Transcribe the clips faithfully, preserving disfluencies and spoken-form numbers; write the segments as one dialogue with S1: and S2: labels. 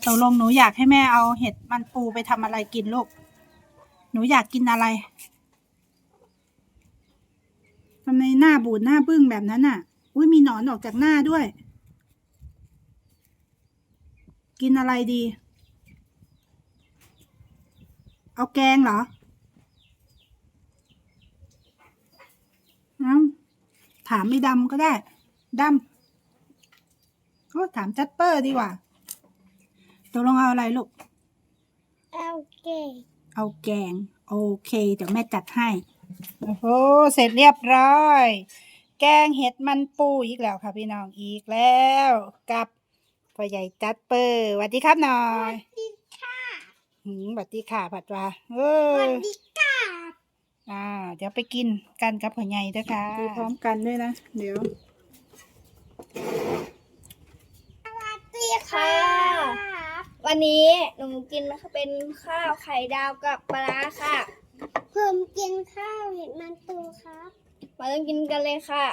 S1: ตกลงหนูอยากให้แม่เอาเห็ดมันปูไปทำอะไรกินลูกหนูอยากกินอะไรทำไมหน้าบูดหน้าบึ้งแบบนั้นอ่ะอุ้ยมีหนอนออกจากหน้าด้วย กินอะไรดีเอาแกงเหรอเอาถามไม่ดำก็ได้ดำก็ถามจัดเปอร์ดีกว่าตกลงเอาอะไรลูก
S2: เอาแกง
S1: เอาแกงโอเคเดี๋ยวแม่จัดให้โอ้โหเสร็จเรียบร้อยแกงเห็ดมันปูอีกแล้วค่ะพี่น้องอีกแล้วกับพ่อใหญ่จัดเปอร์สวัสดีครับหน่อย
S2: สวัสดีค่ะ
S1: หืมสวัสดีค่ะผัดว่าเอ
S2: สวั
S1: อ
S2: สดีค่ะ
S1: อ่าเดี๋ยวไปกินกันกับพ่อใหญ่ด้วยค่ะดูพร้อมกันด้วยนะเดี๋ยว
S2: สวัสดีค่ะวันนี้หนูกินนะคะเป็นข้าวไข่ดาวกับปลาค่ะเพิ่มกินข้าวเห็ดมันตูครับมาเริ่มกินกันเลยค่ะ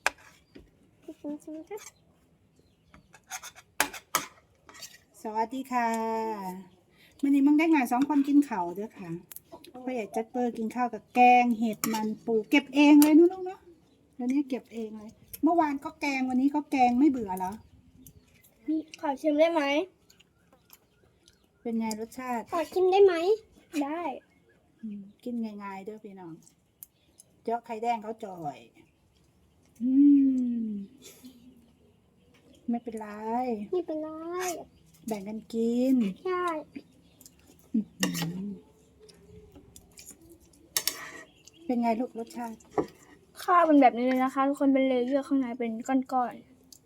S1: สวัสดีค่ะวันนี้มึงได้ไงสองคนกินข้าวด้วยค่ะพ่อใหญ่จัดเปอร์กินข้าวกับแกงเห็ดมันปูเก็บเองเลยนู้นลูกเนาะวันนี้เก็บเองเลยเมื่อวานก็แกงวันนี้ก็แกงไม่เบื่อเหรอ
S2: ขอชิมได้ไหม
S1: เป็นไงรสชาติ
S2: ขอชิมได้ไหมได้
S1: กินง่ายๆเด้อพี่น้องเจาะไข่แดงเขาจ่อยอืมไม่เป็นไร
S2: ไม่เป็นไร
S1: แบ่งกันกิน
S2: ใช่
S1: เป็นไงลูกรสชาติ
S2: ข้าวเป็นแบบนี้เลยนะคะทุกคนเป็นเลเยอร์ข้างในเป็นก้อน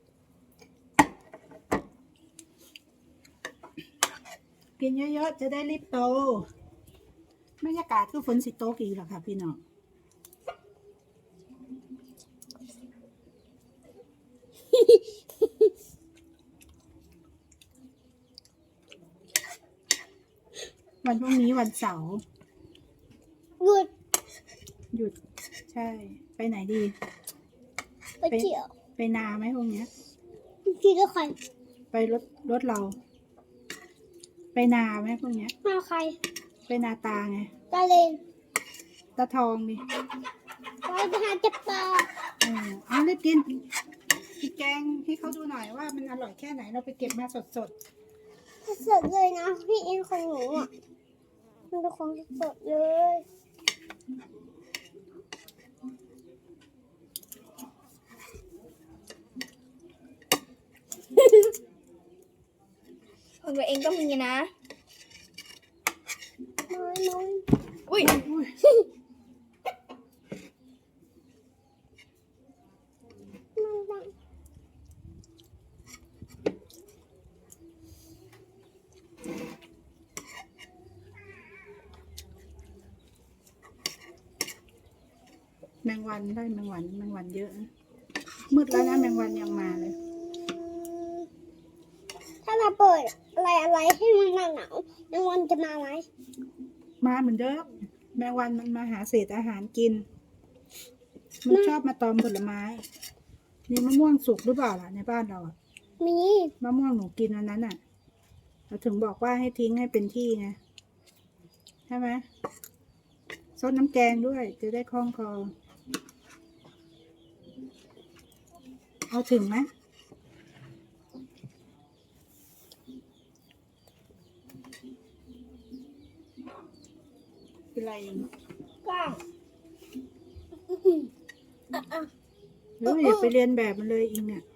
S1: ๆกินเยอะๆจะได้รีบโตบรรยากาศคือฝนสิโตกี่หรอค่ะพี่น้องวันพรุ่งนี้วันเสาร์
S2: หยุด
S1: หยุดใช่ไปไหนดี
S2: ไปเที่ยว
S1: ไปนาไหมพวกเนี้ย
S2: พี่ก็ใคร
S1: ไปรถรถเราไปนาไหมพวกเนี้ย
S2: มาใคร
S1: ไปนาตาไง
S2: ตาเลน
S1: ตาทองดิ
S2: ไปไปหาจับปลา
S1: เออเอารีบกินกินแกงให้เขาดูหน่อยว่ามันอร่อยแค่ไหนเราไปเก็บมาสดสด
S2: สดเลยนะพี่อินของหนูอ่ะมันเป็นของสดเลยของตัวเองก็มีนะน้อยน้อยอุ้ย
S1: แมงวันได้แมงวันแมงวันเยอะมืดแล้วนะแมงวันยังมาเลย
S2: ถ้าเราเปิดอะไรอะไรให้มันหนาวหนาวแมงวันจะมาไหม
S1: มาเหมือนเดิมแมงวันมันมาหาเศษอาหารกินมันชอบมาตอมผลไม้มีมะม่วงสุกหรือเปล่าล่ะในบ้านเราอ่ะ
S2: มี
S1: มะม่วงหนูกินวันนั้นอ่ะเราถึงบอกว่าให้ทิ้งให้เป็นที่ไงใช่ไหมซดน้ำแกงด้วยจะได้คล่องคอเอาถึงไหมเป็นไร
S2: กล้าง
S1: หรืออย่าไปเรียนแบบมันเลยอิงเนี่ย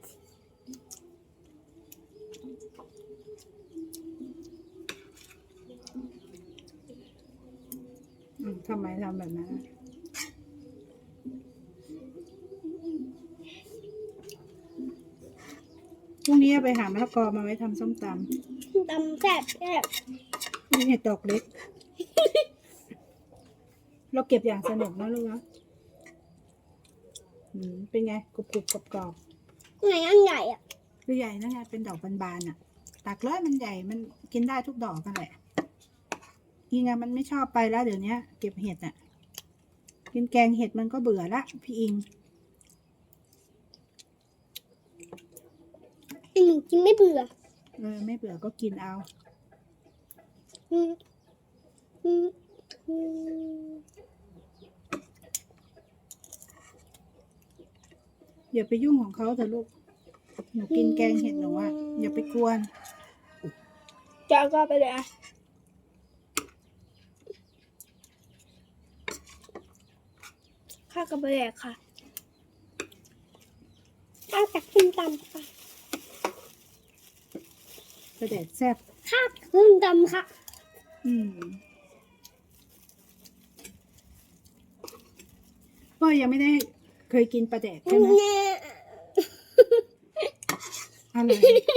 S1: ทำไมทำแบบนั้นพรุ่งนี้ไปหามะละกอมาไว้ทำส้มต
S2: ำตำแซ่บแซ่บ
S1: นี่เห็ดดอกเล็ก เราเก็บอย่างสนุกนะลูกนะเป็นไงกรุบกรุบกรอบกรอบ
S2: ไหนอันใหญ่อ่ะ
S1: คือใหญ่นะไงเป็นดอกบานๆอ่ะตักเลยมันใหญ่มันกินได้ทุกดอกกันแหละอีไงมันไม่ชอบไปแล้วเดี๋ยวนี้เก็บเห็ดอ่ะกินแกงเห็ดมันก็เบื่อละพี่อิง
S2: หนูกินไม่เบื่อ
S1: เออไม่เบื่อก็กินเอา
S2: อืมอืมอืม
S1: อย่าไปยุ่งของเขาเถอะลูกหนูกินแกงเห็ดหนูอ่ะอย่าไปกวน
S2: จะเอาก็ไปเลยอ่ะข้าวกับแหลกค่ะข้าวจากขึ้นตำค่ะ
S1: กระเด็ดแซ่บ
S2: ข้าวขึ้นตำค่ะ
S1: อืมพ่อยังไม่ได้เคยกินปลาแดกใช่ไหมอะไร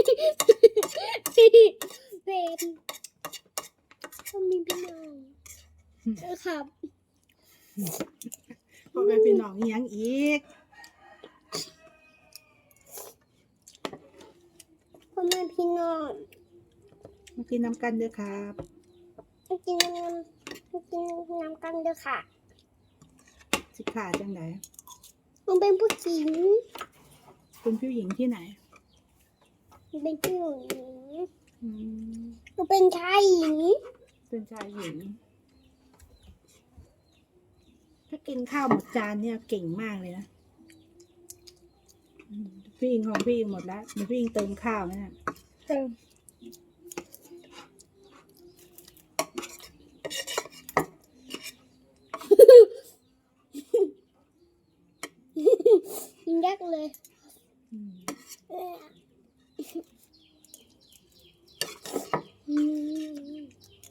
S2: เป็นก็มีพี่น้องเออครับ
S1: พ่อเป็นพี่น้องอีหยังอีก
S2: พ่อแม่พี่น้อง
S1: มากินน้ำกันเด้อครับ
S2: มากินน้ำมากินน้ำกันเด้อค่ะ
S1: สิขาจังไหน
S2: มันเป็นผู้หญิง
S1: เป็นผู้หญิงที่ไหน
S2: มันเป็นผู้หญิง
S1: อืม
S2: มันเป็นชายหญิง
S1: เป็นชายหญิง ถ้ากินข้าวหมดจานเนี่ยเก่งมากเลยนะอืมพี่อิงของพี่อิงหมดแล้วเดี๋ยวพี่อิงเติมข้าวนะเนี่ย
S2: เติมยิงยักเลย
S1: อืม
S2: เอออืม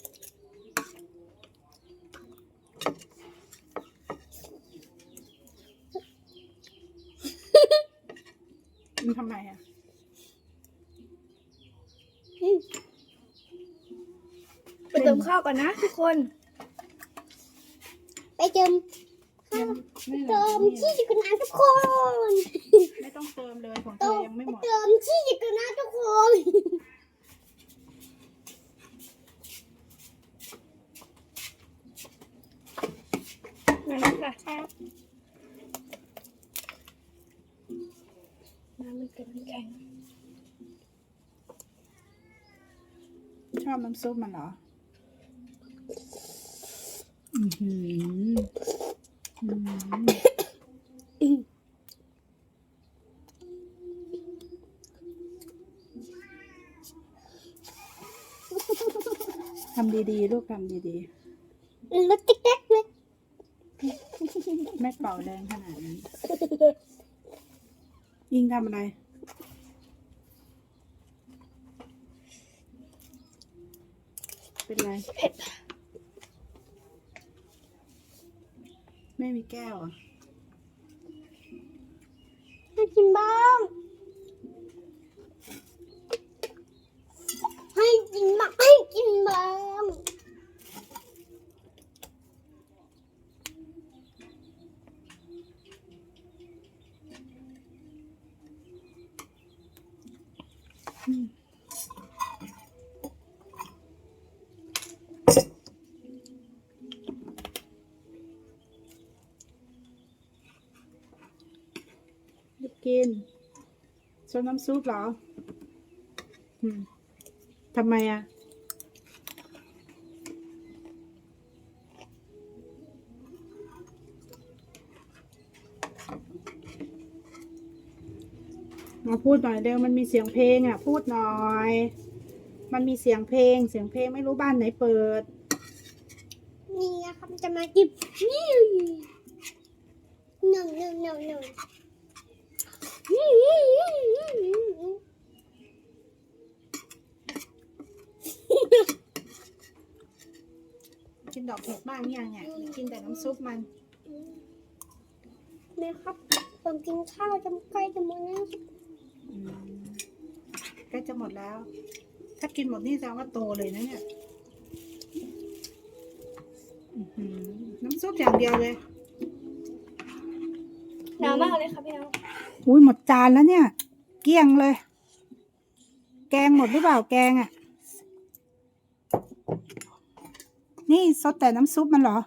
S1: มันทำไมอ่ะ
S2: ไปเติมข้าวก่อนนะทุกคน ไปเติมข้าว
S1: ไม่
S2: เติมชีสกันนะทุกคน
S1: ไม่ต้องเติมเลยของเธ
S2: เติ
S1: อ
S2: ม
S1: ยังไม่หมด
S2: เติมชีสกันนะทุกคนมาแล้วค่ะครับน้ำมันเป็นแข็ง
S1: ชอบน้ำซุปมันเหรอ อือหืออืมทำดีๆ ลูกทำดี
S2: รถติ๊กๆเลย
S1: ๆ ไม่เป่าแรงขนาดนั้น ยิงทำอะไร เป็นไร
S2: เผ็ด
S1: ไม่มีแก้วเหรอ่ะ
S2: ให้กินบ้างให้กินบ้างให้กินบ้าง
S1: หยุดกินชอบน้ำซุปเหรอ อืมทำไมอ่ะ มาพูดหน่อยเร็วมันมีเสียงเพลงอ่ะ พูดหน่อย มันมีเสียงเพลง เสียงเพลงไม่รู้บ้านไหนเปิด
S2: นี่นะครับจะมากินนี่หนึ่งหนึ่งหนึ่งหนึ่ง
S1: กินดอกเห็ดบ้างยังอ่ะหรือกินแต่น้ำซุปมัน
S2: แม่ครับผมกินข้าวจะใกล้จะหมดแล้ว
S1: อืมใกล้จะหมดแล้ว ถ้ากินหมดนี่แสดงว่าโตเลยนะเนี่ยอื้อหือน้ำซุปอย่างเดียวเลย
S2: หนาวมากเลยครับพี่น้อง
S1: อุ้ยหมดจานแล้วเนี่ย เกลี้ยงเลย แกงหมดหรือเปล่าแกงอ่ะ นี่ซดแต่น้ำซุปมันเหรอ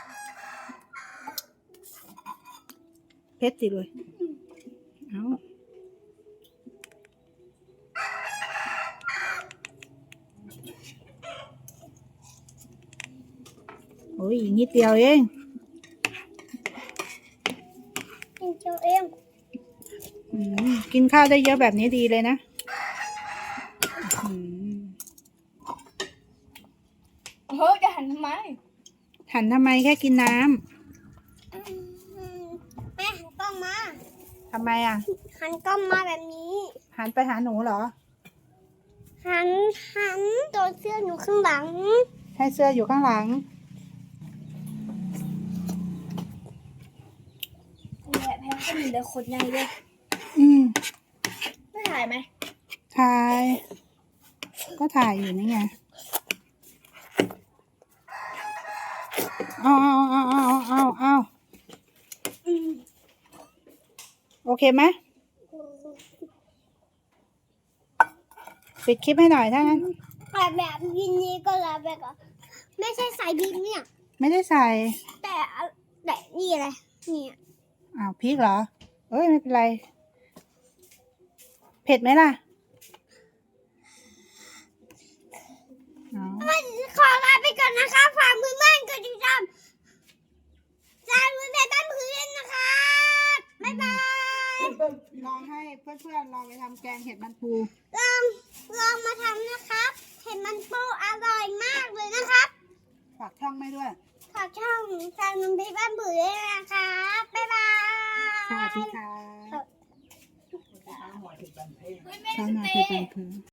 S1: เผ็ดสิเลย เอาอ้ยนิดเดียวเอง
S2: กินเจียวเอง
S1: อืมกินข้าวได้เยอะแบบนี้ดีเลยนะอืม
S2: เฮ้ยจะหันทำไม
S1: หันทำไมแค่กินน้ำ
S2: แม่หันกล้องมา
S1: ทำไมอ่ะ
S2: หันกล้องมาแบบนี้
S1: หันไปหาหนูเหรอ
S2: หันหันตัวเสื้อหนูข้างหลัง
S1: ให้เสื้ออยู่ข้างหลัง
S2: แม่แพ้ก็มีแต่คนใหญ่เลย
S1: อืม
S2: ไม่ถ่ายไหม
S1: ถ่าย ก็ถ่ายอยู่นี่ไงเอาเอาเอาเอาเอาเอา
S2: อืม
S1: โอเคไหมปิดคลิปให้หน่อยถ้างั้น
S2: แต่แบบยินนี้ก็แล้วแบบก็ไม่ใช่สายบินเนี่ย
S1: ไม่ได้ใส่
S2: แต่แต่นี่อะไรเนี่ย
S1: อ้าวพริกเหรอ เอ้ยไม่เป็นไร เผ็ดไหมล่ะเอา
S2: ขอลาไปก่อนนะคะฝากมือมั่นกดติดตามจานมือแต่ต้นพื้นนะคะบ๊ายบาย
S1: ลองให้เพื่อนๆลองไปทำแกงเห็ดมันปู
S2: ลองลองมาทำนะครับเห็นมันปูอร่อยมากเลยนะครับ
S1: ฝากช่องไม่ด้วย
S2: ฝากช่องจานมือแต่ต้นพื้นด้วยนะคะบ๊ายบาย
S1: สวัสดีค่ะ
S2: เฮ้ยแม่
S1: ช่อง
S2: ส
S1: นา
S2: เต
S1: คือเป็น
S2: ย์
S1: คือ